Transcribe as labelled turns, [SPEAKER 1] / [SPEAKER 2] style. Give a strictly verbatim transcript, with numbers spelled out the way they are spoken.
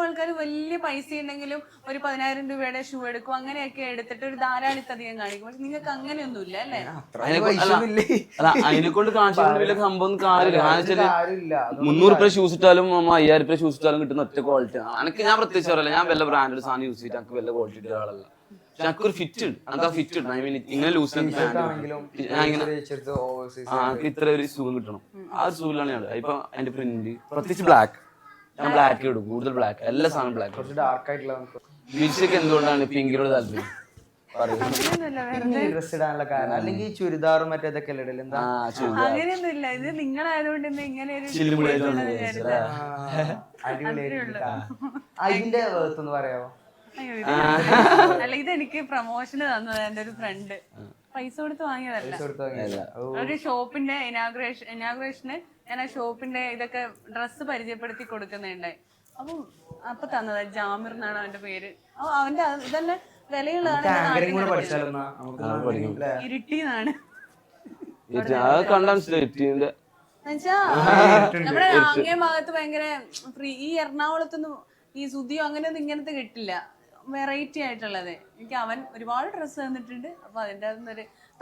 [SPEAKER 1] ആൾക്കാർ വലിയ പൈസ ഉണ്ടെങ്കിലും ഒരു പതിനായിരം രൂപയുടെ ഷൂ എടുക്കും, അങ്ങനെയൊക്കെ എടുത്തിട്ട് ഒരു ധാരാളിത്തധികം കാണിക്കും. പക്ഷെ നിങ്ങൾക്ക് അങ്ങനെയൊന്നും ഇല്ല അല്ലേ?
[SPEAKER 2] അല്ല അതിനെ കൊണ്ട് കാണിച്ചിട്ട് വലിയ സംഭവം കാര്യമില്ല. മുന്നൂറ് രൂപ ഷൂസ് ഇട്ടാലും അയ്യായിരം രൂപ ഷൂസ് ഇട്ടാലും കിട്ടുന്ന ഒറ്റ ക്വാളിറ്റി. എനിക്ക് ഞാൻ പ്രത്യേകിച്ച് പറയല്ല, ഞാൻ വല്ല ബ്രാൻഡഡ് സാധനം യൂസ് ചെയ്തിട്ട് എനിക്ക് വല്ല ക്വാളിറ്റി ഇട്ട ആളല്ല. പക്ഷെ എനിക്കൊരു ഫിറ്റ് ഉണ്ട്, എനിക്ക് ആ ഫിറ്റ് ഉണ്ട്. ഐ മീൻ ഇങ്ങനെ ലൂസ് ഞാൻ ഇങ്ങനെ എനിക്ക് ഇത്ര ഒരു സുഖം കിട്ടണം. ആ ഒരു സുഖിലാണ് ഞാൻ. ഇപ്പൊ എന്റെ പ്രിന്റ് പ്രത്യേകിച്ച് ബ്ലാക്ക്, ഞാൻ ബ്ലാക്ക് ഇടും, കൂടുതൽ ബ്ലാക്ക്, എല്ലാ സാധനം ബ്ലാക്ക്. ബീച്ചൊക്കെ എന്തുകൊണ്ടാണ് പിങ്കിനോട് താല്പര്യം?
[SPEAKER 3] അല്ലെങ്കിൽ ചുരിദാറും മറ്റേതൊക്കെ
[SPEAKER 1] അങ്ങനെയൊന്നും ഇല്ല. ഇത് നിങ്ങളായതുകൊണ്ട് ഇങ്ങനെ ഒരു
[SPEAKER 3] അതിന്റെ ഒന്ന് പറയാമോ?
[SPEAKER 1] അല്ല, ഇതെനിക്ക് പ്രൊമോഷന് തന്നത് എന്റെ ഒരു ഫ്രണ്ട്, പൈസ കൊടുത്ത് വാങ്ങിയതല്ല. ഒരു ഷോപ്പിന്റെ ഇനാഗുറേഷൻ ഇനാഗുറേഷന് ഞാൻ ആ ഷോപ്പിന്റെ ഇതൊക്കെ ഡ്രസ്സ് പരിചയപ്പെടുത്തി കൊടുക്കുന്നുണ്ടായി. അപ്പം അപ്പൊ തന്നതാ. ജാമിർ എന്നാണ് അവന്റെ പേര്. അപ്പൊ അവന്റെ ഇതന്നെ വിലയുള്ളതാണ്. ഇരുട്ടിന്നാണ് എന്നുവെച്ചാ നമ്മുടെ അങ്ങേ ഭാഗത്ത് ഭയങ്കര ഫ്രീ. ഈ എറണാകുളത്തൊന്നും ഈ സുതിയോ അങ്ങനെയൊന്നും ഇങ്ങനത്തെ കിട്ടില്ല, വെറൈറ്റി ആയിട്ടുള്ളത്. എനിക്ക് അവൻ ഒരുപാട് ഡ്രസ്സ് തന്നിട്ടുണ്ട്. അപ്പൊ അതിൻ്റെ അകത്തുനിന്നൊരു